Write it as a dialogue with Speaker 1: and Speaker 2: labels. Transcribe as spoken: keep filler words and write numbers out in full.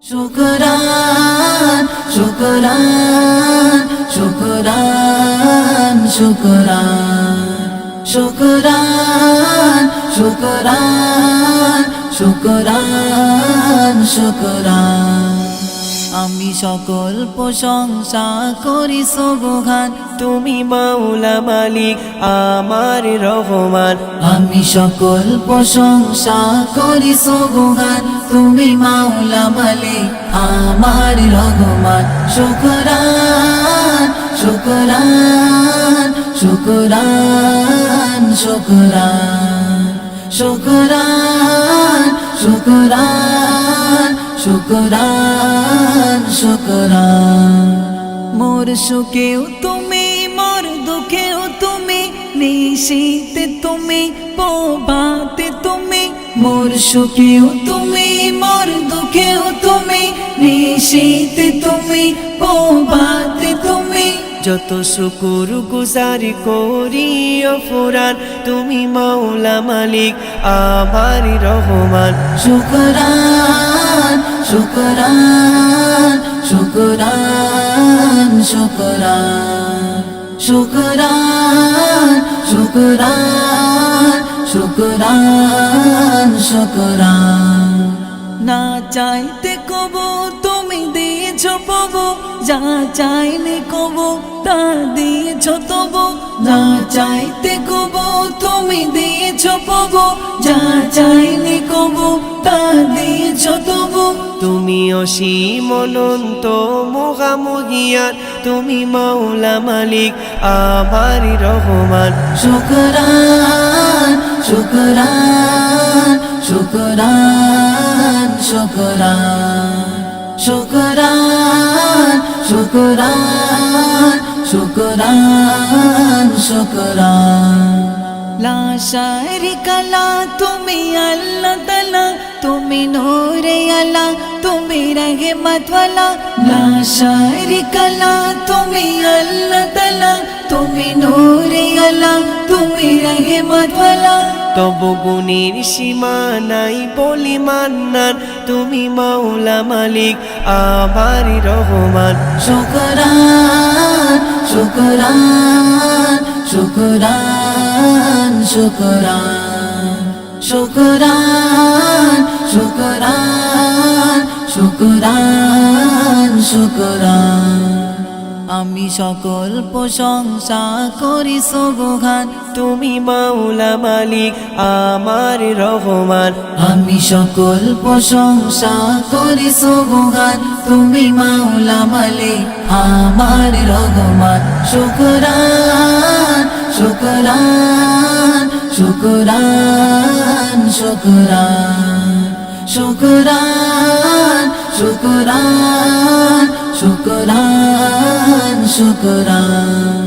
Speaker 1: শুকরান শুকরান শুকরান শুকরান শুকরান শুকরান শুকরান শুকরান আমি সকল প্রশংসা করি সুবহান
Speaker 2: তুমি মাওলা মালিক আমার রহমান।
Speaker 1: আমি সকল প্রশংসা করি সুবহান তুমি মাওলা মালিক আমার রহমান। শুকরান শুকরান শুকরান শুকরান শুকরান শুকরান শুকরান শুকরান মোর সুখেও তুমি মোর দুঃখেও তুমি নিশীতে তুমি প্রভাতে তুমি মোর সুখেও তুমি মোর দুঃখেও তুমি নিশীতে তুমি প্রভাতে তুমি
Speaker 2: যত শুকুর গুজারি করি অফুরান তুমি মাওলা মালিক আমার রহমান।
Speaker 1: শুকরান শুকরান শুকরান শুকরান শুকরান শুকরান শুকরান শুকরান না চাইতে কবো তুমি দিয়েছ পাবো, যা চাইলে কবো তা দিয়েছ তবু। না চাইতে কবো তুমি দিয়েছ পাবো, যা চাইলে কবো তা দিয়েছ তবু।
Speaker 2: তুমি অসীম অনন্ত মোহামহিয়ান তুমি মাওলা মালিক আমার রহমান।
Speaker 1: শুকরান শুকরান শুকরান শুকরান শুকরান শুকরান শুকরান শুকরান লা শারিকা লা তুমি আল্লাহ তাআলা তুমি নূরে আলা তুমি রহমত ওয়ালা। লা শারিকা লা তুমি আল্লাহ তাআলা তুমি নূরে আলা তুমি রহমত ওয়ালা।
Speaker 2: তবু গুণের সীমা নাই বলি মান্নান তুমি মাওলা মালিক আমার রহমান।
Speaker 1: শুকরান শুকরান শুকরান শুকরান শুকরান শুকরান শুকরান শুকরান আমি সকল প্রশংসা করি সুবহান
Speaker 2: তুমি মাওলা মালিক আমার রহমান।
Speaker 1: আমি সকল প্রশংসা করি সুবহান তুমি মাওলা মালিক আমার রহমান। শুকরান শুকরান শুকরান শুকরান শুকরান শুকরান শুকরান শুকরান